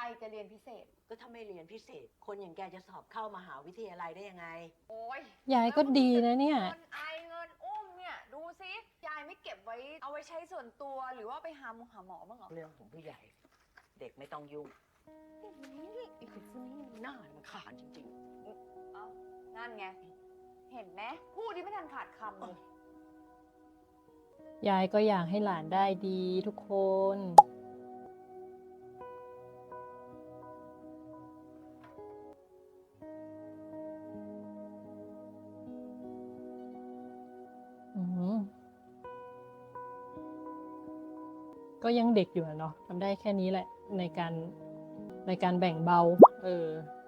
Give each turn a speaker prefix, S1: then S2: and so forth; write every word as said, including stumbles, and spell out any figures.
S1: จะเรียนพิเศษ
S2: ก็ถ้าไม่เรียนพิเศษคนอย่างแกจะสอบเข้ามหาวิทยาลัยได้ยังไง
S1: โอ้ย
S3: ยายก็ดีนะเนี่ย
S1: เงินไอเงินอุ้มเนี่ยดูซิยายไม่เก็บไว้เอาไว้ใช้ส่วนตัวหรือว่าไปหาหมอหาหมอบ้างเหรอ
S2: เรื่องของผู้ใหญ่เด็กไม่ต้องยุ่งไอ้คนนี้น่ารำคาญจริงๆ
S1: เอ้านั่นไงเห็นไหมพูดที่ไม่ทันขาดคำเลย
S3: ยายก็อยากให้หลานได้ดีทุกคนอืมก็ยังเด็กอยู่อะเนาะทำได้แค่นี้แหละในการในการแบ่งเบา เออ